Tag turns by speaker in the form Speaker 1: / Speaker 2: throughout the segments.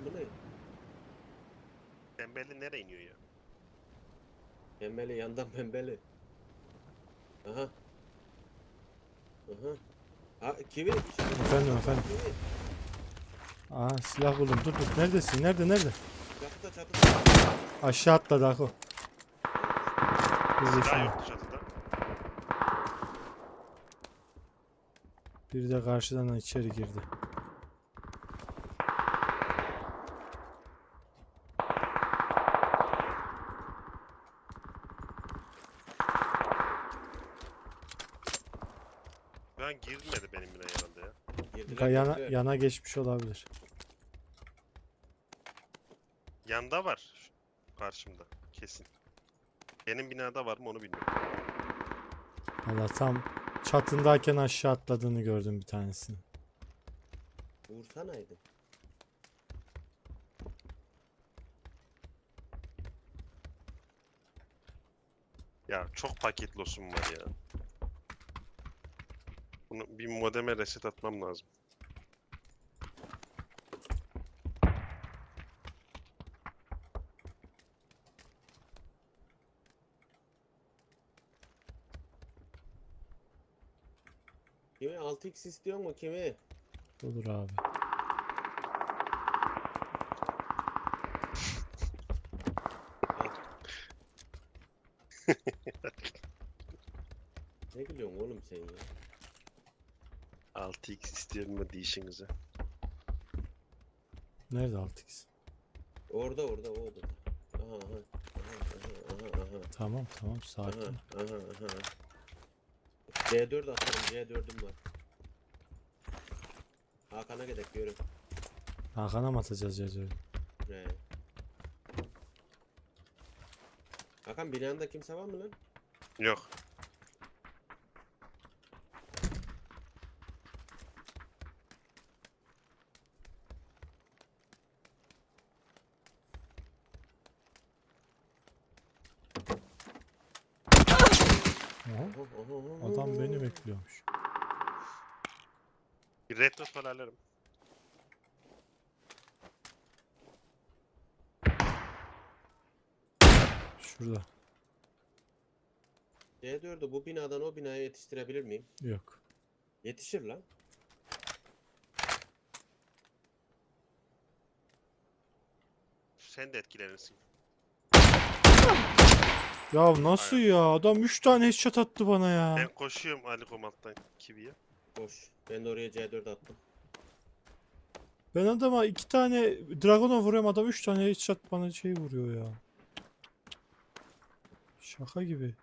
Speaker 1: bu ne?
Speaker 2: Pembeli nereye iniyor ya?
Speaker 1: Pembeli yandan pembeli. Aha. Aha. Ha kivi işaret.
Speaker 3: Efendim.
Speaker 1: Kivi.
Speaker 3: Aa, silah buldum. Dur. Neredesin? Nerede?
Speaker 1: Çatıda.
Speaker 3: Aşağı atladı Ako. Bir de
Speaker 2: Silah
Speaker 3: şimdi.
Speaker 2: yoktu çatıda.
Speaker 3: Biri de karşıdan içeri girdi.
Speaker 2: Ben girmedi benim bile herhalde ya.
Speaker 1: Girdiler.
Speaker 3: Yana geçmiş olabilir.
Speaker 2: Yanda var. Karşımda. Kesin. Benim binada var mı onu bilmiyorum.
Speaker 3: Valla tam çatındayken aşağı atladığını gördüm bir tanesini.
Speaker 1: Vursanaydın.
Speaker 2: Ya çok paket losum var ya. Bunu bir modeme reset atmam lazım.
Speaker 1: Kimi 6x istiyor mu kimi?
Speaker 3: Olur abi.
Speaker 1: Ne gülüyorsun oğlum sen ya?
Speaker 2: 6x istiyorum mu değişinize.
Speaker 3: Nerede 6x?
Speaker 1: Orada o odada. Aha.
Speaker 3: Tamam sakin.
Speaker 1: Aha. C4 atarım, C4'üm var. Hakan'a gidelim görüm.
Speaker 3: Hakan'a mı atacağız yazıyor?
Speaker 1: He. Hakan binanda kimse var mı lan?
Speaker 2: Yok.
Speaker 3: Aha, adam beni bekliyormuş.
Speaker 2: Bir retro falan alırım.
Speaker 3: Şurada.
Speaker 1: C4'ü bu binadan o binaya yetiştirebilir miyim?
Speaker 3: Yok.
Speaker 1: Yetişir lan.
Speaker 2: Sen de etkilenirsin.
Speaker 3: Ya nasıl ya? Adam 3 tane headshot attı bana ya.
Speaker 2: Ben koşuyorum Ali Komalt'tan Kivi'ye.
Speaker 1: Boş. Ben de oraya C4 attım.
Speaker 3: Ben adama 2 tane Dragon'a vuruyorum, adam 3 tane headshot bana şey vuruyor ya. Şaka gibi.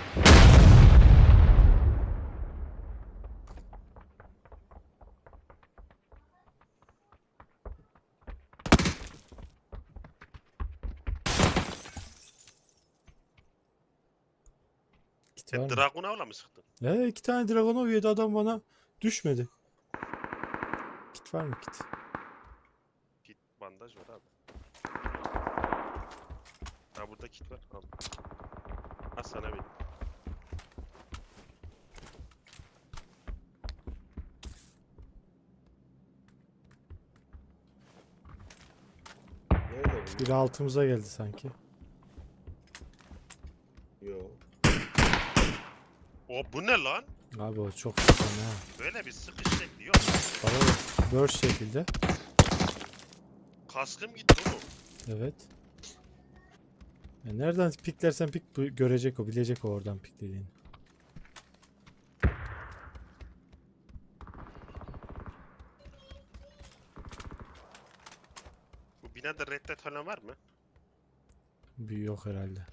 Speaker 3: Kit var
Speaker 2: Sen
Speaker 3: mı?
Speaker 2: Dragun'a mı sıktın?
Speaker 3: 2 tane Dragon'a yedi adam, bana düşmedi. Kit var mı kit?
Speaker 2: Kit bandaj var abi. Ha burada kit var. Al. Ha sana vereyim.
Speaker 1: Nerede bu?
Speaker 3: Biri altımıza geldi sanki.
Speaker 1: Yo.
Speaker 2: O bu ne lan?
Speaker 3: Abi o çok fena ha.
Speaker 2: Böyle bir sıkış şekli yok.
Speaker 3: Bana da burst şekilde.
Speaker 2: Kaskım gitti oğlum.
Speaker 3: Evet. Ya nereden piklersen pik görecek o, bilecek o oradan piklediğini.
Speaker 2: Bu binada reddet falan var mı?
Speaker 3: Bir yok herhalde.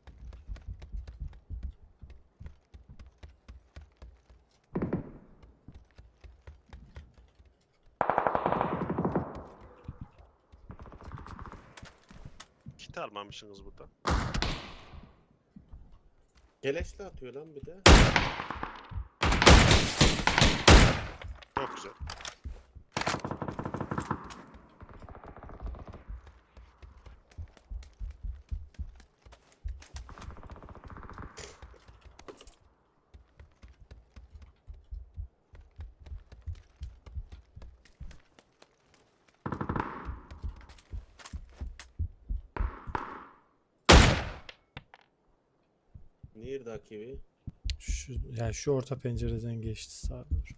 Speaker 2: Kit almamışsınız burada.
Speaker 1: Keleşle atıyor lan bir de.
Speaker 2: Çok güzel.
Speaker 1: Neredeki bir?
Speaker 3: Yani şu orta pencereden geçti sağa doğru.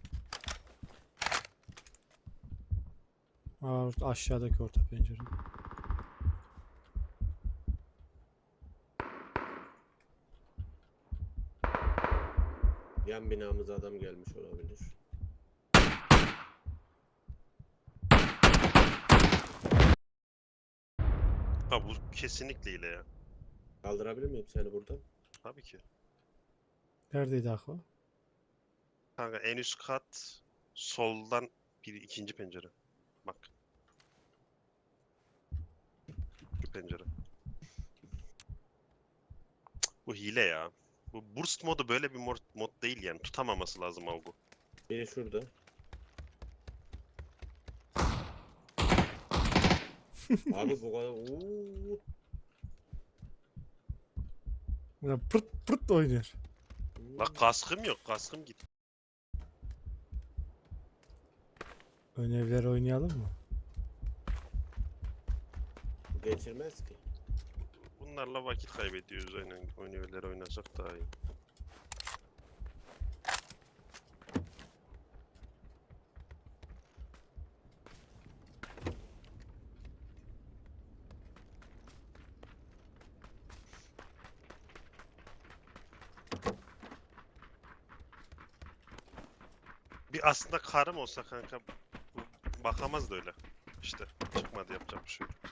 Speaker 3: Aşağıdaki orta pencere.
Speaker 1: Yan binamıza adam gelmiş olabilir.
Speaker 2: Ha bu kesinlikle hile ya.
Speaker 1: Kaldırabilir miyim seni buradan?
Speaker 2: Tabii ki.
Speaker 3: Neredeydi Akva?
Speaker 2: Kanka en üst kat soldan ikinci pencere. Bak. Bu pencere. Bu hile ya. Bu burst modu böyle bir mod değil yani. Tutamaması lazım Avgu.
Speaker 1: Biri şurada. Abi bu kadar. Uuu.
Speaker 3: Ya pırt pırt oynuyor.
Speaker 2: La kaskım yok. Kaskım git.
Speaker 3: Ön evler oynayalım mı?
Speaker 1: Geçirmez ki.
Speaker 2: Bunlarla vakit kaybediyoruz aynen. Oynuyorlar oynasak daha iyi. Bir aslında karım olsa kanka bakamaz da öyle. İşte çıkmadı yapacak bir şey yok.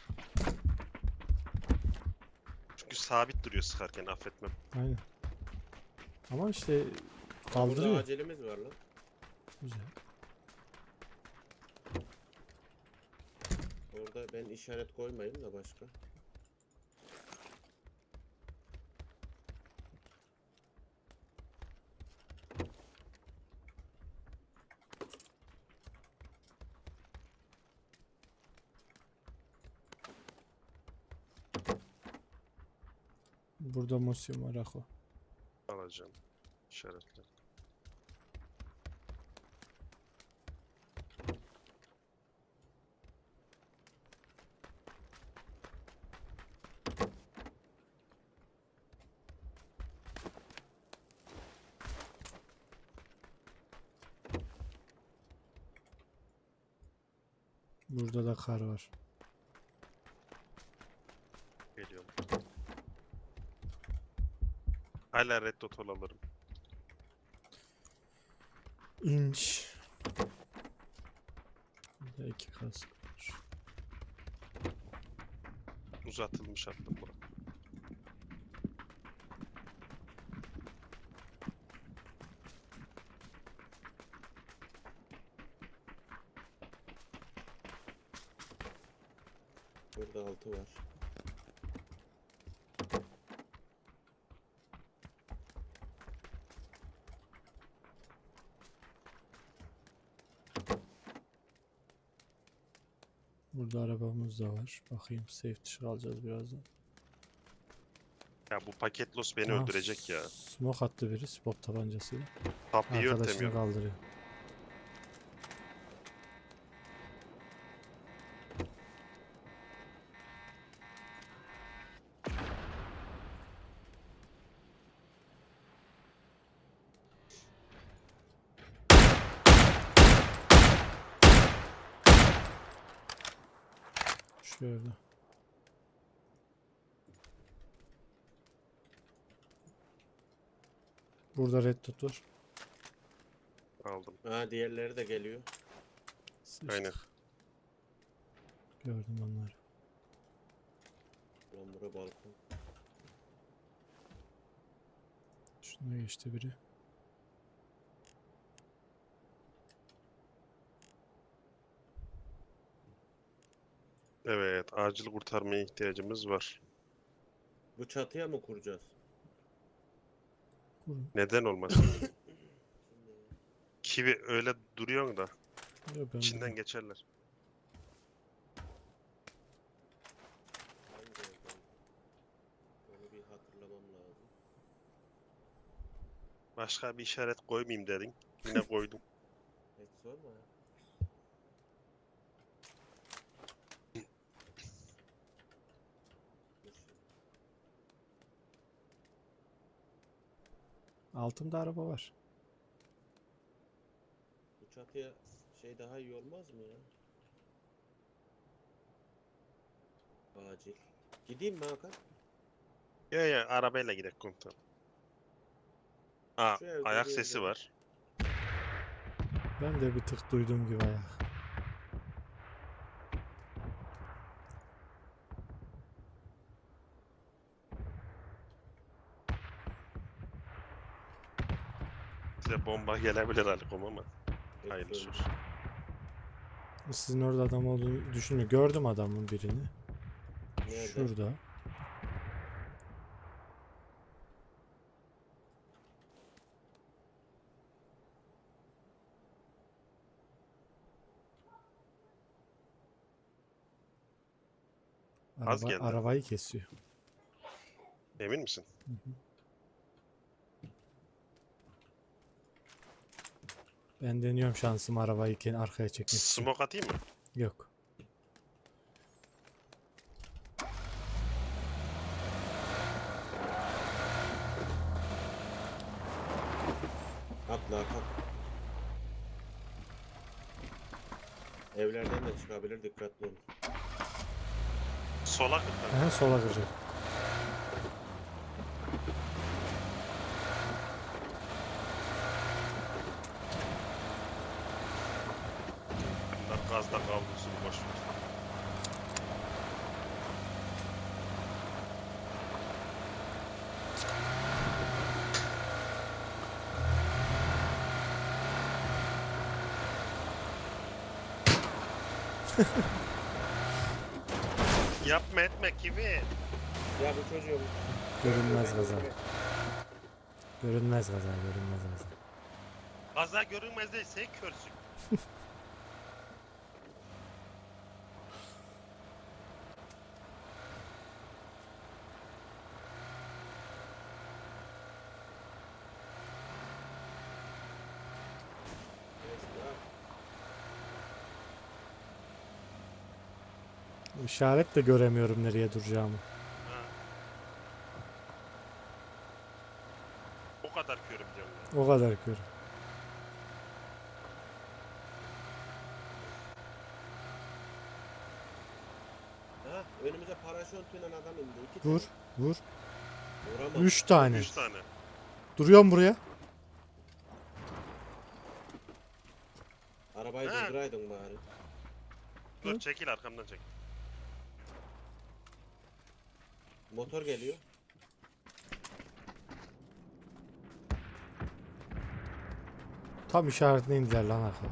Speaker 2: Çünkü sabit duruyor sıkarken affetmem.
Speaker 3: Aynen. Ama işte
Speaker 1: Burada
Speaker 3: kaldırıyor.
Speaker 1: acelemiz var lan.
Speaker 3: Güzel.
Speaker 1: Orada ben işaret koymayayım da başka.
Speaker 3: Burada museum var Akva.
Speaker 2: Alacağım. İşaretle.
Speaker 3: Burada da kar var.
Speaker 2: Geliyorum. Hala red dot alırım.
Speaker 3: İnç. Burada 2 kask var.
Speaker 2: Uzatılmış attım bura.
Speaker 1: Burada 6 var.
Speaker 3: Burada arabamız da var. Bakayım safe dışı alacağız birazdan.
Speaker 2: Ya bu paket loss beni
Speaker 3: Aha,
Speaker 2: öldürecek ya.
Speaker 3: Smoke attı biri spot tabancasıyla.
Speaker 2: Kapıyı
Speaker 3: Arkadaşını
Speaker 2: örtemiyorum.
Speaker 3: kaldırıyor. Şöyle. Burada red dot var.
Speaker 2: Aldım.
Speaker 1: Ha diğerleri de geliyor.
Speaker 3: Sıçtık.
Speaker 2: Aynen.
Speaker 3: Gördüm onları.
Speaker 1: Lan bura balkon.
Speaker 3: Şuna geçti biri.
Speaker 2: Evet, acil kurtarmaya ihtiyacımız var.
Speaker 1: Bu çatıya mı kuracağız?
Speaker 3: Kurun.
Speaker 2: Neden olmasın? Kivi öyle duruyor da
Speaker 3: Ya ben
Speaker 2: içinden
Speaker 3: bunu-
Speaker 2: geçerler.
Speaker 1: Hangi evden? Onu bir hatırlamam lazım.
Speaker 2: Başka bir işaret koymayayım dedin. Yine koydum.
Speaker 1: Hiç sorma ya. Dur şimdi.
Speaker 3: Altımda araba var.
Speaker 1: Bu çatıya şey daha iyi olmaz mı ya? Acil. Gideyim mi Hakan?
Speaker 2: Ya arabayla gidelim komutanım. Aa,
Speaker 1: Şu evde
Speaker 2: ayak
Speaker 1: bir
Speaker 2: sesi
Speaker 1: yerde.
Speaker 2: var.
Speaker 3: Ben de bir tık duydum gibi ayak.
Speaker 2: Size bomba gelebilir Alikom ama.
Speaker 1: Hep
Speaker 2: Hayırlısı
Speaker 1: söndü.
Speaker 2: olsun.
Speaker 3: Sizin orada adam olduğunu düşünmüyorum. Gördüm adamın birini.
Speaker 1: Nerede?
Speaker 3: Şurada.
Speaker 2: Az geldi.
Speaker 3: Arabayı kesiyor.
Speaker 2: Emin misin?
Speaker 3: Ben deniyorum şansımı arabayı arkaya çekmek için.
Speaker 2: Smoke atayım mı?
Speaker 3: Yok.
Speaker 1: Atla Hakan. Evlerden de çıkabilir, dikkatli olun.
Speaker 2: Sola kırk.
Speaker 3: Aha, sola kıracak.
Speaker 2: Bunlar gazda kavrulsun boş ver. Yapma etme gibi.
Speaker 1: Ya bu çocuğum.
Speaker 3: Görünmez gaza. Görünmez gaza. Görünmez gaza.
Speaker 2: Gaza görünmez değil, sen körsün.
Speaker 3: İşaret de göremiyorum nereye duracağımı.
Speaker 2: Ha. O kadar körüm diyorum ya.
Speaker 3: O kadar kör.
Speaker 1: Ha, önümüze paraşütüyle adam indi. İki
Speaker 3: Vur.
Speaker 1: tane.
Speaker 3: Vur.
Speaker 1: Vuramam.
Speaker 3: 3 tane.
Speaker 2: 3 tane.
Speaker 3: Duruyorum buraya.
Speaker 1: Arabayı
Speaker 2: Ha.
Speaker 1: durduraydın bari.
Speaker 2: Dur çekil arkamdan çekil.
Speaker 1: Motor geliyor.
Speaker 3: Tam işaretine indiler lan arkaya.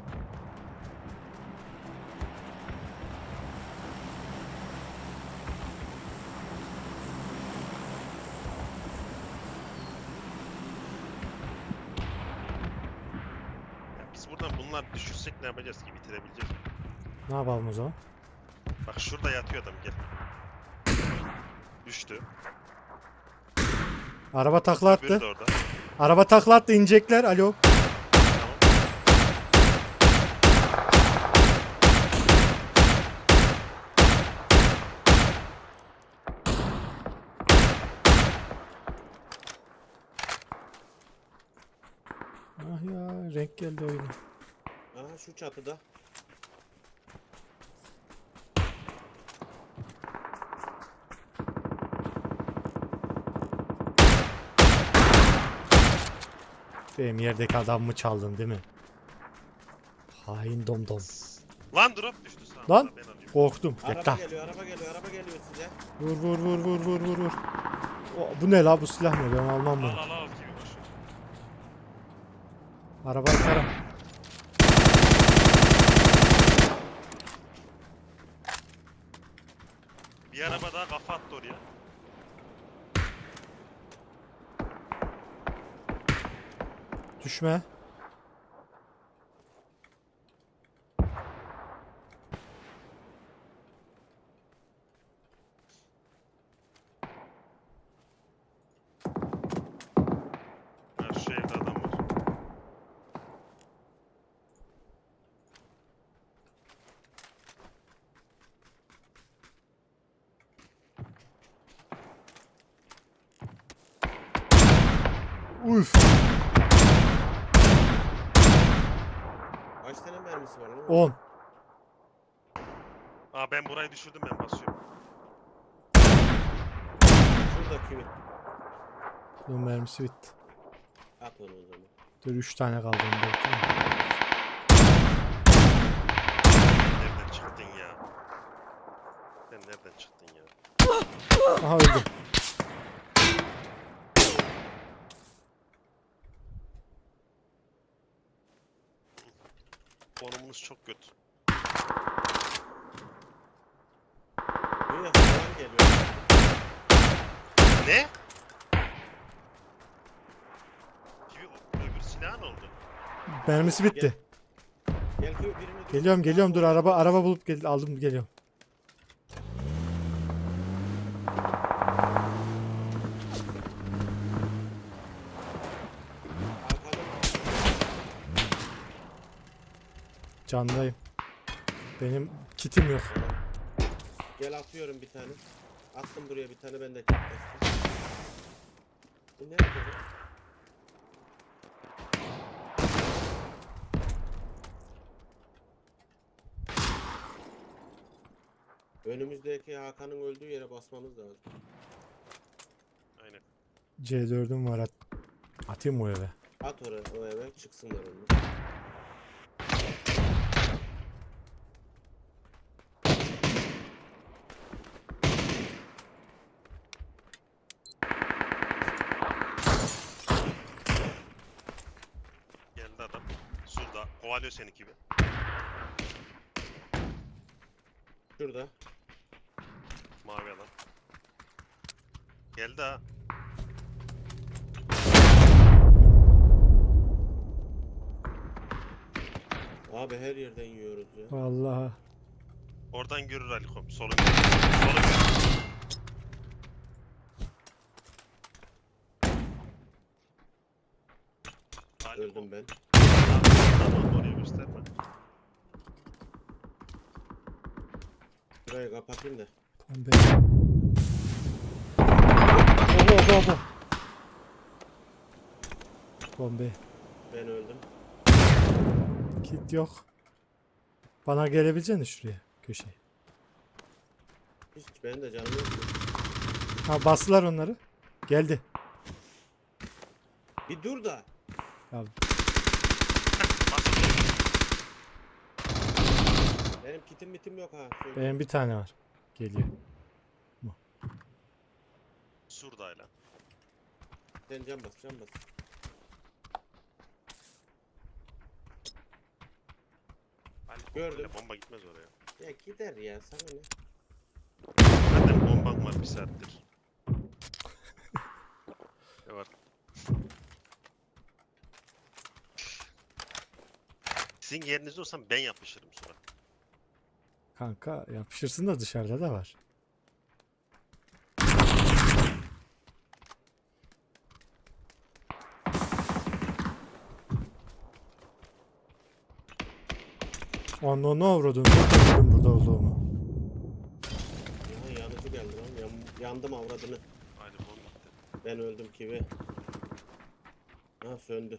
Speaker 2: Ya biz buradan bunlar düşürsek ne yapacağız ki, bitirebileceğiz mi?
Speaker 3: Ne yapalım o zaman?
Speaker 2: Bak şurada yatıyor adam, gel. Düştü.
Speaker 3: Araba takla
Speaker 2: Öbürü
Speaker 3: attı.
Speaker 2: de orada.
Speaker 3: Araba takla attı, inecekler. Alo.
Speaker 2: Tamam.
Speaker 3: Ah ya, renk geldi oyuna.
Speaker 1: Aha şu çatıda.
Speaker 3: Benim yerdeki adamımı çaldın değil mi? Hain domdom.
Speaker 2: Lan drop düştü sağ
Speaker 3: Lan!
Speaker 2: ben alıyorum.
Speaker 3: Korktum.
Speaker 1: Araba
Speaker 3: Bekle.
Speaker 1: geliyor, araba geliyor, araba geliyor size.
Speaker 3: Vur vur vur vur vur vur vur. Bu ne la, bu silah ne? Ben almam bunu.
Speaker 2: Al al al gibi boş ver.
Speaker 3: Arabayı tara.
Speaker 2: Bir araba daha kafa attı oraya.
Speaker 3: Düşme.
Speaker 2: Ha şu evde adam var.
Speaker 3: Uf.
Speaker 1: mermisi var lan?
Speaker 3: 10.
Speaker 2: Aa ben burayı düşürdüm, ben basıyorum.
Speaker 1: Şurada kimi?
Speaker 3: Bunun mermisi bitti.
Speaker 1: At onu o zaman.
Speaker 3: Dur 3 tane kaldı. Onu da bitireyim.
Speaker 2: Nereden çıktın ya? Sen nereden çıktın ya?
Speaker 3: Aha öldü.
Speaker 2: Konumunuz çok kötü.
Speaker 1: Niye falan geliyor?
Speaker 2: Ne? Gibi öbür silah ne oldu?
Speaker 3: Mermisi bitti.
Speaker 1: Gel ki birini düşür.
Speaker 3: Geliyorum dur araba bulup aldım geliyorum.
Speaker 1: Arkadan.
Speaker 3: Candayım. Benim kitim yok.
Speaker 1: Gel atıyorum bir tane. Attım buraya bir tane, ben de kit bastım. Bu nerede bu? Önümüzdeki Hakan'ın öldüğü yere basmamız lazım.
Speaker 2: Aynen.
Speaker 3: C4'üm var atayım o eve.
Speaker 1: At oraya, o eve çıksınlar onlar.
Speaker 2: Geldi adam. Surda. Kovalıyor seni gibi.
Speaker 1: Şurada.
Speaker 2: Mavi adam. Geldi ha.
Speaker 1: Abi her yerden yiyoruz ya.
Speaker 3: Vallahi.
Speaker 2: Oradan görür Alikom. Solun görür. Solun görür.
Speaker 1: Öldüm ben.
Speaker 2: Tamam, oraya gösterme.
Speaker 1: Burayı kapatayım da.
Speaker 3: Bombe. Obo. Bombe.
Speaker 1: Ben öldüm.
Speaker 3: Kit yok. Bana gelebileceksin şuraya köşeye.
Speaker 1: Hiç benim de canım yok.
Speaker 3: Ha bastılar onları. Geldi.
Speaker 1: Bir dur da.
Speaker 3: Ya,
Speaker 1: Benim kitim yok ha. Söyle.
Speaker 3: benim bir tane var. Geliyor.
Speaker 2: Surdayla.
Speaker 1: Sen can bas.
Speaker 2: Alikom,
Speaker 1: Gördüm.
Speaker 2: böyle bomba gitmez oraya.
Speaker 1: Ya gider ya, sana ne?
Speaker 2: Zaten bomban var bir saattir. Ne var? Sizin yerinizde olsam ben yapışırım sonra.
Speaker 3: Kanka yapışırsın da dışarıda da var. Onu ne avradın? Bilmiyorum burada olduğumu.
Speaker 1: Ya yanıcı geldi lan. Yandım avradını.
Speaker 2: Aynı bomba gitti.
Speaker 1: Ben öldüm kivi. Ha söndü.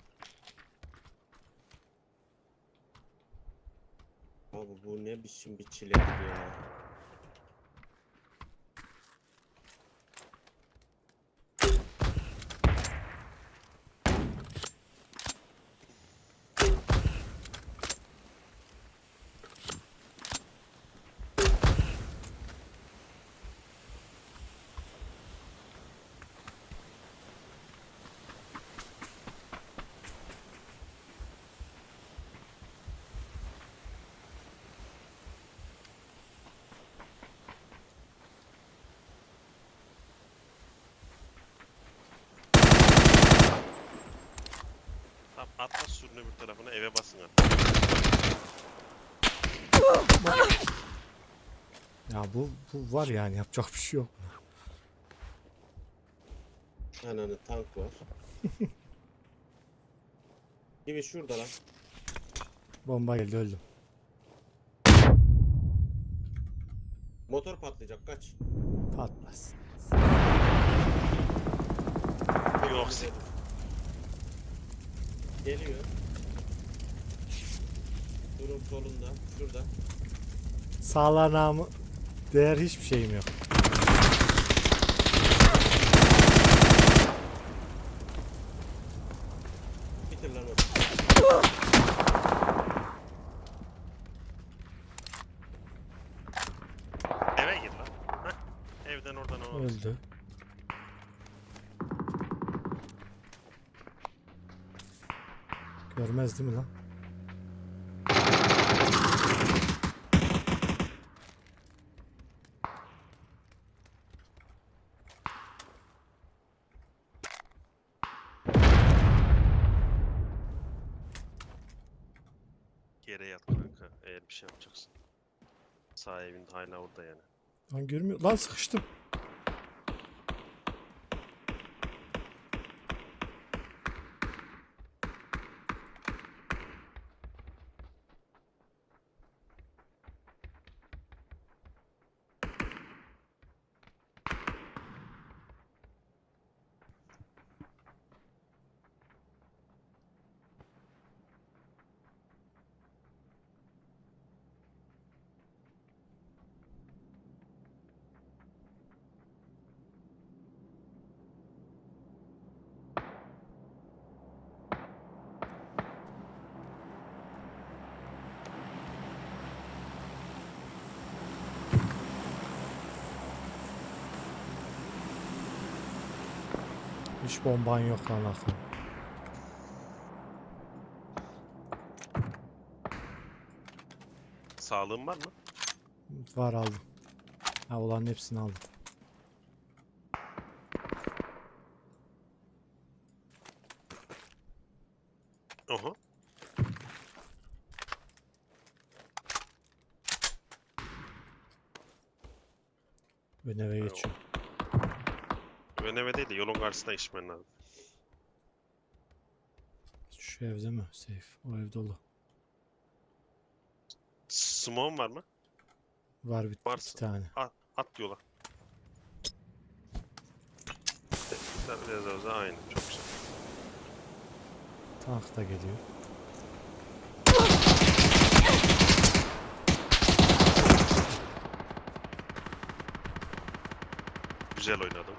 Speaker 1: Abi bu ne biçim bir çilek ya.
Speaker 2: Tamam, atla surun öbür tarafına, eve basın artık.
Speaker 3: Ya bu var yani yapacak bir şey yok.
Speaker 1: Ananı tank var. Kivi şurada lan.
Speaker 3: Bomba geldi öldüm.
Speaker 1: Motor patlayacak, kaç.
Speaker 3: Patlasın.
Speaker 2: Yoksa
Speaker 1: Geliyor. Durun solunda. Şurada.
Speaker 3: Sağlanağımı değer hiçbir şeyim yok.
Speaker 1: Bitir lan onu.
Speaker 2: Eve gir lan. Heh. Evden oradan o.
Speaker 3: Öldü. Görmez değil mi lan?
Speaker 2: Yere yat kanka eğer bir şey yapacaksın. Sağ evin hala orada yani.
Speaker 3: Lan görmüyor. Lan sıkıştım. Hiç bomban yok lan akıl.
Speaker 2: Sağlığın var mı?
Speaker 3: Var aldım. Ha olan hepsini aldım.
Speaker 2: Oho.
Speaker 3: Ben eve geçiyorum.
Speaker 2: Ön eve değil de yolun karşısına içmen lazım.
Speaker 3: Şu evde mi? Safe. O ev dolu.
Speaker 2: Smoke'un var mı?
Speaker 3: Var bir
Speaker 2: Varsa.
Speaker 3: iki tane.
Speaker 2: At yola. Biraz aynı. Çok güzel.
Speaker 3: Tank da geliyor.
Speaker 2: Güzel oynadım.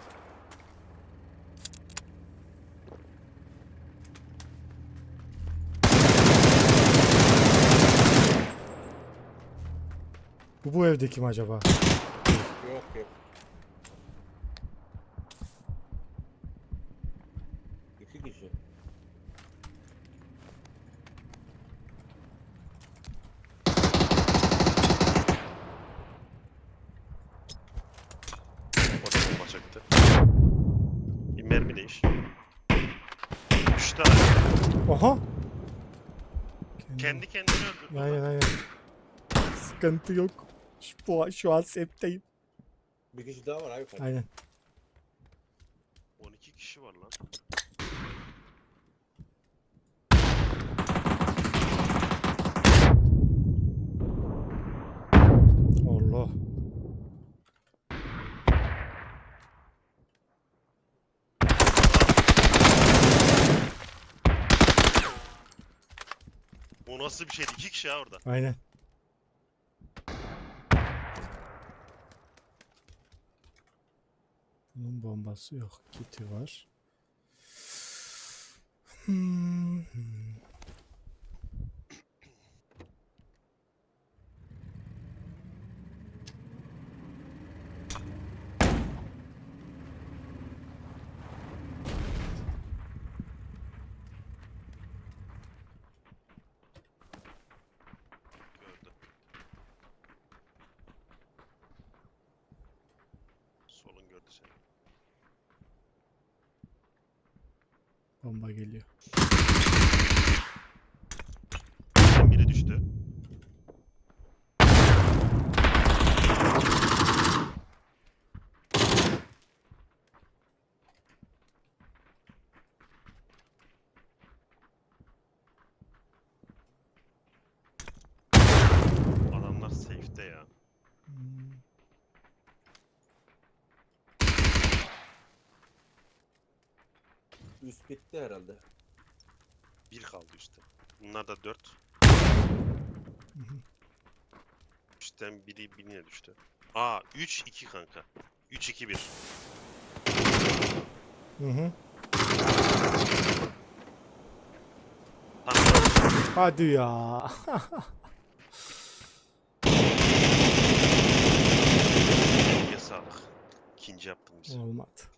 Speaker 3: Bu evde kim acaba?
Speaker 1: Yok yok. İki kişi.
Speaker 2: Orada bomba çaktı. Bir mermi değiş. 3 tane.
Speaker 3: Oha!
Speaker 2: Kendi kendini öldürdü.
Speaker 3: Aynen aynen. Sıkıntı yok. Şu an safe'teyim.
Speaker 1: Bir kişi daha var abi yukarıda.
Speaker 3: Aynen.
Speaker 2: 12 kişi var lan.
Speaker 3: Allah.
Speaker 2: O nasıl bir şeydi? 2 kişi ya orada.
Speaker 3: Aynen. Bunun bombası yok. Kiti var. Hmm.
Speaker 2: Gördü. Solun gördü seni.
Speaker 3: Bomba geliyor.
Speaker 2: Biri düştü. Adamlar safe'te ya.
Speaker 3: Hmm.
Speaker 1: Üst bitti herhalde.
Speaker 2: Bir kaldı üstte. Bunlar da 4. Üstten biri bineye düştü. Aa 3-2 kanka. 3-2-1.
Speaker 3: Hı hı.
Speaker 2: Tamam.
Speaker 3: Hadi ya.
Speaker 2: Eline sağlık. İkinci yaptın bizi.
Speaker 3: Olmadı.